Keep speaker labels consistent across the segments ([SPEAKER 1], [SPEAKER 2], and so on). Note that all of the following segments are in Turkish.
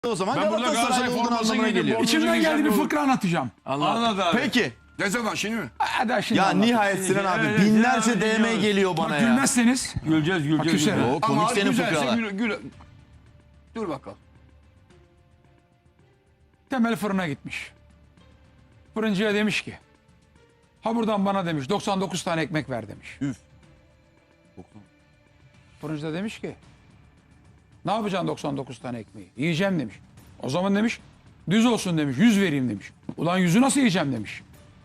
[SPEAKER 1] O zaman
[SPEAKER 2] Ben burada
[SPEAKER 1] Galatasaray
[SPEAKER 2] Galatasaray
[SPEAKER 1] olduğunu
[SPEAKER 2] forması
[SPEAKER 1] anlamına
[SPEAKER 2] giydim.
[SPEAKER 1] geliyor.
[SPEAKER 3] İçimden geldi bir fıkra anlatacağım.
[SPEAKER 2] Anlat abi.
[SPEAKER 1] Peki.
[SPEAKER 2] Ne zaman şimdi mi?
[SPEAKER 3] Hadi şimdi
[SPEAKER 1] Ya
[SPEAKER 3] anlat.
[SPEAKER 1] nihayet Sinan abi
[SPEAKER 4] Evet,
[SPEAKER 1] binlerce
[SPEAKER 4] Sinan abi
[SPEAKER 1] DM
[SPEAKER 4] biliyoruz.
[SPEAKER 1] geliyor bana
[SPEAKER 3] Bak,
[SPEAKER 1] ya.
[SPEAKER 3] gülmezseniz
[SPEAKER 4] Güleceğiz.
[SPEAKER 3] küserim.
[SPEAKER 1] O komik senin
[SPEAKER 2] güzelse
[SPEAKER 1] fıkralar.
[SPEAKER 2] Dur bakalım.
[SPEAKER 3] Temel fırına gitmiş. Fırıncıya demiş ki, ha buradan bana demiş 99 tane ekmek ver demiş.
[SPEAKER 1] Üf.
[SPEAKER 3] Fırıncı da demiş ki, ne yapacaksın 99 tane ekmeği? Yiyeceğim demiş. O zaman demiş, düz olsun demiş, 100 vereyim demiş. Ulan 100'ü nasıl yiyeceğim demiş.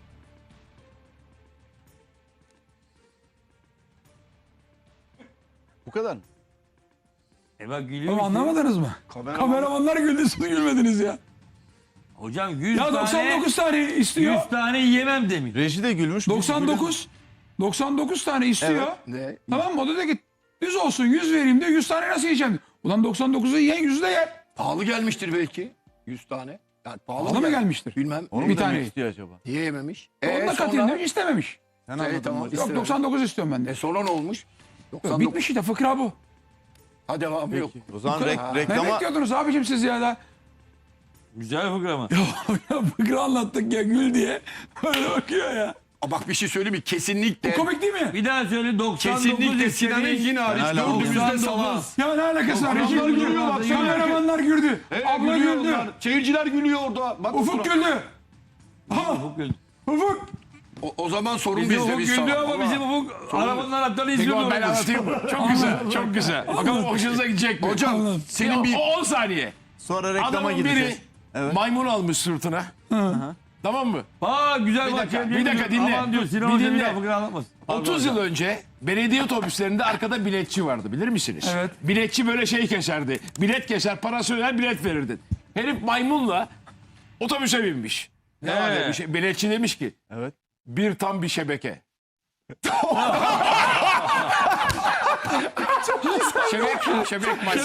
[SPEAKER 1] Bu kadar mı?
[SPEAKER 4] Bak gülüyor.
[SPEAKER 3] Ama
[SPEAKER 4] işte.
[SPEAKER 3] anlamadınız mı? Kameramanlar güldü, siz gülmediniz ya.
[SPEAKER 4] Hocam 100
[SPEAKER 3] Ya
[SPEAKER 4] tane
[SPEAKER 3] 99 tane istiyor.
[SPEAKER 4] 100 tane yiyemem demiş.
[SPEAKER 1] Reji de gülmüş.
[SPEAKER 3] 99 tane istiyor.
[SPEAKER 2] Ne?
[SPEAKER 3] Tamam mı? O da dedi ki düz olsun 100 vereyim diyor. 100 tane nasıl yiyeceğim? Ulan 99'u yiyen 100'ü de yer.
[SPEAKER 2] Pahalı gelmiştir belki. 100 tane. Yani
[SPEAKER 3] Pahalı mı gelmiştir?
[SPEAKER 2] Bilmem.
[SPEAKER 1] Onu
[SPEAKER 3] Bir
[SPEAKER 1] mu
[SPEAKER 3] tane.
[SPEAKER 1] demek istiyor acaba?
[SPEAKER 2] Yiyememiş.
[SPEAKER 3] Onu da katayım demiş, istememiş.
[SPEAKER 1] Sen anladın
[SPEAKER 2] tamam.
[SPEAKER 1] mı?
[SPEAKER 3] Yok 99 istiyorum ben de.
[SPEAKER 2] Sonra ne olmuş?
[SPEAKER 3] Yok,
[SPEAKER 2] 99.
[SPEAKER 3] bitmiş işte, fıkra bu.
[SPEAKER 2] Ha devamı yok.
[SPEAKER 1] O zaman
[SPEAKER 3] Ne
[SPEAKER 1] reklama...
[SPEAKER 3] bekliyordunuz abicim siz ya da?
[SPEAKER 4] Güzel fıkra mı?
[SPEAKER 3] Ya fıkra anlattık ya, gül diye. Öyle bakıyor ya.
[SPEAKER 2] Aa, bak bir şey söyleyeyim mi? Kesinlikle.
[SPEAKER 3] Komik değil mi?
[SPEAKER 4] Bir daha söyle 99
[SPEAKER 2] Kesinlikle Sinan Engin hariç
[SPEAKER 1] Ben hala
[SPEAKER 2] dördümüz de salak.
[SPEAKER 4] 99.
[SPEAKER 3] Ya ne alakası var? Reji
[SPEAKER 2] Adamlar
[SPEAKER 3] güldü.
[SPEAKER 2] gülüyor, baksana.
[SPEAKER 3] Kameramanlar güldü. Abla güldü.
[SPEAKER 2] Gülüyorlar. Seyirciler gülüyor orada. Bak
[SPEAKER 3] Ufuk güldü.
[SPEAKER 4] Ufuk güldü.
[SPEAKER 3] Ufuk.
[SPEAKER 2] O zaman sorun
[SPEAKER 4] Bizim
[SPEAKER 2] bizde,
[SPEAKER 4] Ufuk
[SPEAKER 2] biz
[SPEAKER 4] güldü
[SPEAKER 2] salak.
[SPEAKER 4] ama bizim Ufuk arabanın anahtarını
[SPEAKER 5] Peki
[SPEAKER 4] izliyordu.
[SPEAKER 5] ben anlatayım mı? Çok güzel, çok güzel. Bakalım hoşunuza gidecek mi?
[SPEAKER 2] Hocam senin bir...
[SPEAKER 5] 10 saniye.
[SPEAKER 1] Sonra reklama
[SPEAKER 5] Adamın
[SPEAKER 1] gideceğiz.
[SPEAKER 5] biri
[SPEAKER 1] Evet.
[SPEAKER 5] maymun almış sırtına. Tamam mı?
[SPEAKER 4] Aa güzel bak.
[SPEAKER 5] bir dakika, dinle.
[SPEAKER 4] Aman diyor Sinan
[SPEAKER 5] Bir
[SPEAKER 4] Hoca bir
[SPEAKER 5] dinle.
[SPEAKER 4] daha fıkra anlatmasın.
[SPEAKER 5] 30 yıl önce belediye otobüslerinde arkada biletçi vardı, bilir misiniz?
[SPEAKER 3] Evet.
[SPEAKER 5] Biletçi böyle şey keserdi. Bilet keser, parası öder, bilet verirdi. Herif maymunla otobüse binmiş. Ne var demiş, biletçi demiş ki,
[SPEAKER 1] Evet.
[SPEAKER 5] bir tam bir şebeke. şebek maç.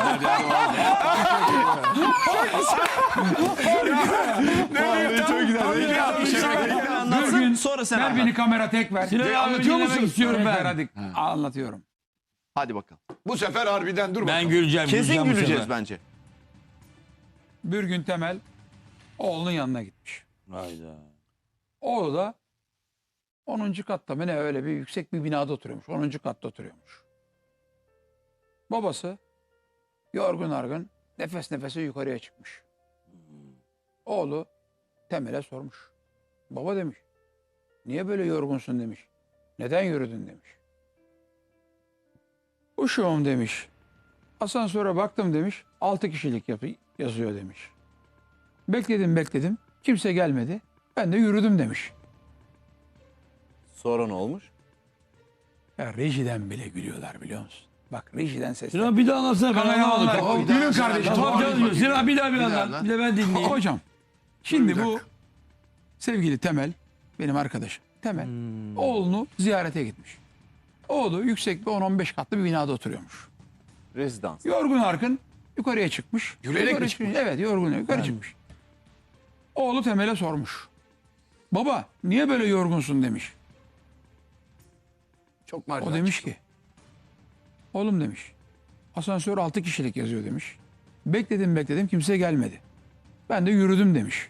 [SPEAKER 1] Çok güzel. Anlatsın sonra sen
[SPEAKER 3] Ver
[SPEAKER 1] anlat.
[SPEAKER 3] beni kamera tek ver.
[SPEAKER 4] Sinan abi
[SPEAKER 3] Anlatıyor
[SPEAKER 4] dinlemek
[SPEAKER 3] musun?
[SPEAKER 4] istiyorum
[SPEAKER 3] Ver,
[SPEAKER 4] ben.
[SPEAKER 3] hadi. Anlatıyorum.
[SPEAKER 1] Hadi bakalım.
[SPEAKER 2] Bu sefer harbiden dur
[SPEAKER 4] Ben
[SPEAKER 2] bakalım.
[SPEAKER 4] güleceğim.
[SPEAKER 1] Kesin
[SPEAKER 4] güleceğim bu
[SPEAKER 1] güleceğiz
[SPEAKER 4] sefer.
[SPEAKER 1] bence.
[SPEAKER 3] Bir gün Temel oğlunun yanına gitmiş.
[SPEAKER 4] Hayda.
[SPEAKER 3] Oğlu da 10. katta mı ne, öyle bir yüksek bir binada oturuyormuş. 10. katta oturuyormuş. Babası yorgun argın nefes nefese yukarıya çıkmış. Oğlu Temel'e sormuş. Baba demiş, niye böyle yorgunsun demiş. Neden yürüdün demiş. Uşağım demiş. Asansöre baktım demiş. 6 kişilik yazıyor demiş. Bekledim. Kimse gelmedi. Ben de yürüdüm demiş.
[SPEAKER 1] Sonra ne olmuş?
[SPEAKER 3] Ya rejiden bile gülüyorlar biliyor musun? Bak rejiden sesler.
[SPEAKER 4] Sinan bir daha anlatsana. Ben
[SPEAKER 3] Kameramanlar.
[SPEAKER 4] anlamadım.
[SPEAKER 3] Gülün kardeşim.
[SPEAKER 4] Tamam canım. Sinan bir daha bir
[SPEAKER 2] daha
[SPEAKER 4] anlat. Bir de ben dinleyeyim.
[SPEAKER 3] Hocam şimdi
[SPEAKER 2] Bir
[SPEAKER 3] bu
[SPEAKER 2] dakika.
[SPEAKER 3] sevgili Temel, benim arkadaşım Temel, oğlunu ziyarete gitmiş. Oğlu yüksek bir 10-15 katlı bir binada oturuyormuş.
[SPEAKER 1] Rezidans.
[SPEAKER 3] Yorgun argın yukarıya çıkmış.
[SPEAKER 2] Gülerek
[SPEAKER 3] Yukarı
[SPEAKER 2] mi
[SPEAKER 3] çıkmış? Evet, yorgun yukarı çıkmış. Oğlu Temel'e sormuş. Baba niye böyle yorgunsun demiş.
[SPEAKER 2] Çok marifet.
[SPEAKER 3] O demiş ki, oğlum demiş, asansör 6 kişilik yazıyor demiş. Bekledim kimse gelmedi. Ben de yürüdüm demiş.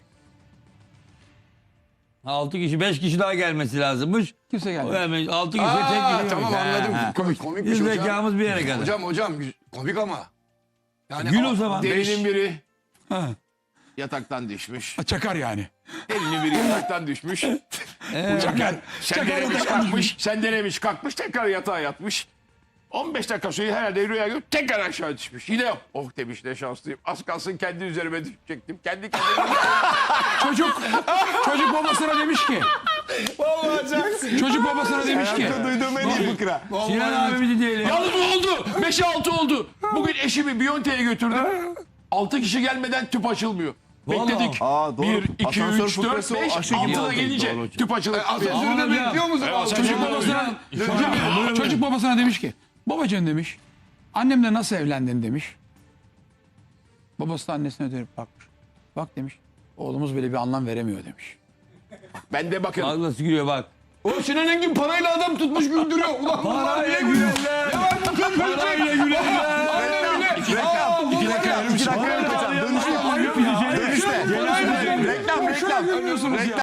[SPEAKER 4] 6 kişi 5 kişi daha gelmesi lazımmış.
[SPEAKER 3] Kimse gelmedi.
[SPEAKER 4] 6 kişi
[SPEAKER 2] Aa,
[SPEAKER 4] tek kişi.
[SPEAKER 2] tamam anladım. Komikmiş
[SPEAKER 4] Biz
[SPEAKER 2] hocam.
[SPEAKER 4] zekamız bir yere kadar.
[SPEAKER 2] Hocam komik ama. Yani
[SPEAKER 4] Gül o zaman.
[SPEAKER 5] Delinin biri
[SPEAKER 3] Ha,
[SPEAKER 5] yataktan düşmüş.
[SPEAKER 3] çakar yani.
[SPEAKER 5] Delinin biri yataktan düşmüş.
[SPEAKER 3] Çakar.
[SPEAKER 5] Sendelemiş kalkmış. Sendelemiş kalkmış. Tekrar yatağa yatmış. 15 dakika sonra herhalde rüya görüp tekrar aşağı düşmüş. Yine oh demiş, ne şanslıyım. Az kalsın kendi üzerime düşecektim. Kendi kendime.
[SPEAKER 3] Çocuk babasına demiş ki. Çocuk babasına demiş ki.
[SPEAKER 1] Duyduğum en iyi fıkra.
[SPEAKER 4] Sinan abi bir dinleyelim.
[SPEAKER 5] Yalnız oldu. 5'e 6 oldu. Bugün eşimi Biyonte'ye götürdüm. 6 kişi gelmeden tüp açılmıyor.
[SPEAKER 4] Vallahi.
[SPEAKER 5] Bekledik.
[SPEAKER 1] Aa, doğru.
[SPEAKER 5] 1, 2,
[SPEAKER 1] Asansör
[SPEAKER 5] 3, 4,
[SPEAKER 1] fıkrası o
[SPEAKER 5] 5,
[SPEAKER 1] aşı gibi
[SPEAKER 5] 6'da
[SPEAKER 1] oldu.
[SPEAKER 5] gelince
[SPEAKER 4] Doğru.
[SPEAKER 5] tüp açılır.
[SPEAKER 2] Asansörü
[SPEAKER 4] Ama
[SPEAKER 2] de
[SPEAKER 4] ya.
[SPEAKER 2] bekliyor musun?
[SPEAKER 3] Çocuk babasına, çocuk babasına demiş ki. Babacığım demiş. Annemle nasıl evlendin demiş. Babası da annesine dönüp bakmış. Bak demiş. Oğlumuz böyle bir anlam veremiyor demiş.
[SPEAKER 5] Ben de bakın.
[SPEAKER 4] Bak nasıl gülüyor bak.
[SPEAKER 2] O Sinan Engin parayla adam tutmuş güldürüyor. Ulan bunlar niye gülüyor?
[SPEAKER 4] gülerler. Parayla gülerler.
[SPEAKER 1] İki dakika. Dönüşte Reklam, reklam.
[SPEAKER 3] Şöyle görüyorsunuz ya.